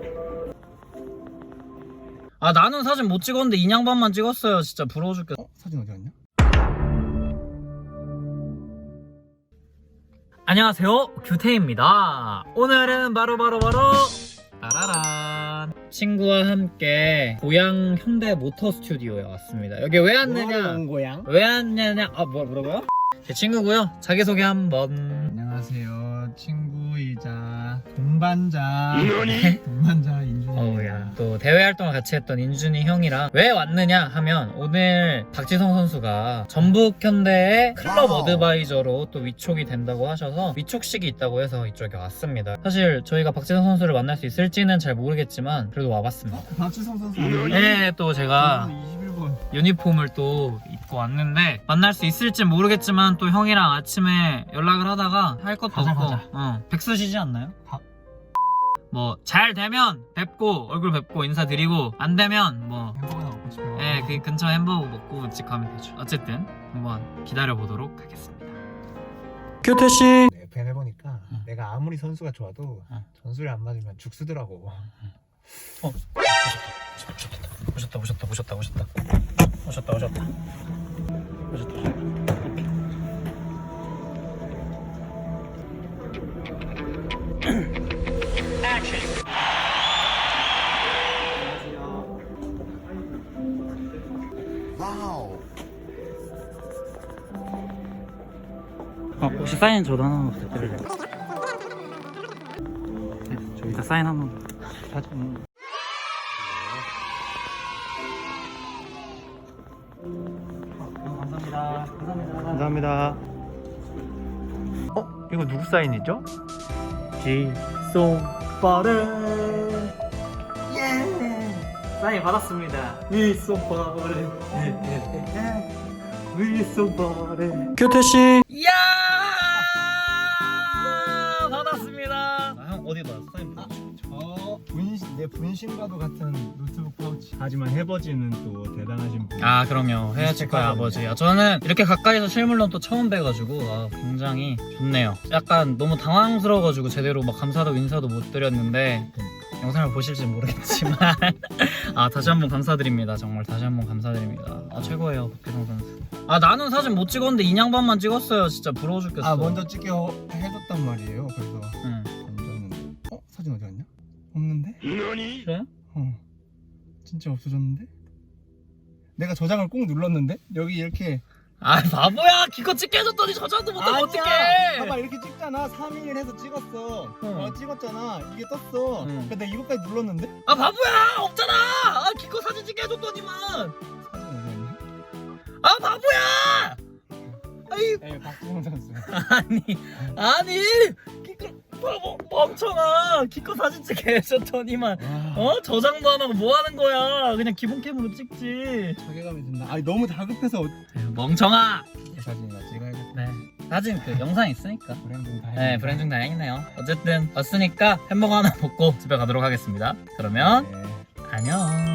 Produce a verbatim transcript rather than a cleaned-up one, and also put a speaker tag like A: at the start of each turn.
A: 아 나는 사진 못 찍었는데 인양반만 찍었어요. 진짜 부러워 죽겠어.
B: 어? 사진 어디 갔냐?
A: 안녕하세요, 규태입니다. 오늘은 바로바로 바로, 바로 따라란 친구와 함께 고양 현대 모터 스튜디오에 왔습니다. 여기 왜 왔느냐?
B: 온 고양?
A: 왜 왔냐냐? 아 뭐, 뭐라고요? 제 친구고요. 자기소개 한번.
B: 안녕하세요. 친구이자 동반자 동반자 인준이.
A: 어우야, 또 대회 활동을 같이 했던 인준이 형이랑 왜 왔느냐 하면, 오늘 박지성 선수가 전북현대의 클럽
B: 와우.
A: 어드바이저로 또 위촉이 된다고 하셔서 위촉식이 있다고 해서 이쪽에 왔습니다. 사실 저희가 박지성 선수를 만날 수 있을지는 잘 모르겠지만 그래도 와봤습니다.
B: 박지성 선수.
A: 네, 또 제가
B: 이십일 번.
A: 유니폼을 또 입고 왔는데 만날 수 있을지 모르겠지만, 또 형이랑 아침에 연락을 하다가 할 것도
B: 가자,
A: 없고
B: 가자.
A: 어, 백수시지 않나요?
B: 가.
A: 뭐 잘 되면 뵙고 얼굴 뵙고 인사드리고, 안 되면 뭐
B: 햄버거나 먹고 싶어요.
A: 예, 그 근처 햄버거 먹고 집 가면 되죠. 어쨌든 한번 기다려 보도록 하겠습니다. 규태씨.
B: 네, 밴 해보니까
A: 응.
B: 내가 아무리 선수가 좋아도
A: 응.
B: 전술이 안 맞으면 죽쓰더라고.
A: 어, 오셨다 오셨다 오셨다 오셨다 오셨다 오셨다 오셨다 오셨다.
B: 와우.
A: 어, 혹시 사인 저도 하나만 부탁드릴래요? 네, 저 이따 사인 한번. 사진. 어, 감사합니다. 감사합니다.
B: 감사합니다. 어? 이거 누구 사인이죠?
A: 지송빠른 예 사인 받았습니다. 위송빠른 위송빠른 규태씨. 이야 받았습니다. 아, 형 어디 받았어? 사인 받았어?
B: 저 분신, 내 분신과도 같은 노트북 파우치. 하지만 해버지는 또 대단하신 분.
A: 아 그럼요, 헤어치과의 아버지. 아, 저는 이렇게 가까이서 실물로 또 처음 뵈가지고 아, 굉장히 좋네요. 약간 너무 당황스러워가지고 제대로 막 감사도 인사도 못 드렸는데, 영상을 보실지 모르겠지만 아 다시 한번 감사드립니다. 정말 다시 한번 감사드립니다. 아 최고예요, 박지성 선수. 아 나는 사진 못 찍었는데 인양반만 찍었어요. 진짜 부러워 죽겠어.
B: 아 먼저 찍게 어- 해줬단 말이에요. 그래서
A: 응.
B: 먼저는 어? 사진 어디 갔냐? 없는데?
A: 그래?
B: 어 진짜 없어졌는데? 내가 저장을 꼭 눌렀는데? 여기 이렇게.
A: 아 바보야, 기껏 찍게 해줬더니 저장도 못하면 어떡해.
B: 봐봐 이렇게 찍잖아. 삼 일 해서 찍었어.
A: 응.
B: 어 찍었잖아. 이게 떴어.
A: 응.
B: 근데 내가 이거까지 눌렀는데?
A: 아 바보야, 없잖아. 아 기껏 사진 찍게 해줬더니만.
B: 사진 어디 갔냐?
A: 아 바보야. 아이
B: 에이 박지성 선수.
A: 아니 아니 기껏 바보 멍청아, 기껏 사진 찍게 해줬더니만 어? 저장도 안 하고 뭐 하는 거야. 그냥 기본 캠으로 찍지.
B: 자괴감이 든다. 아니 너무 다급해서 어-
A: 멍청아.
B: 이 사진이나 찍어야겠다.
A: 네, 사진 그 영상 있으니까.
B: 브랜딩 다
A: 네, 브랜딩 다행이네요. 어쨌든 왔으니까 햄버거 하나 먹고 집에 가도록 하겠습니다. 그러면
B: 네.
A: 안녕.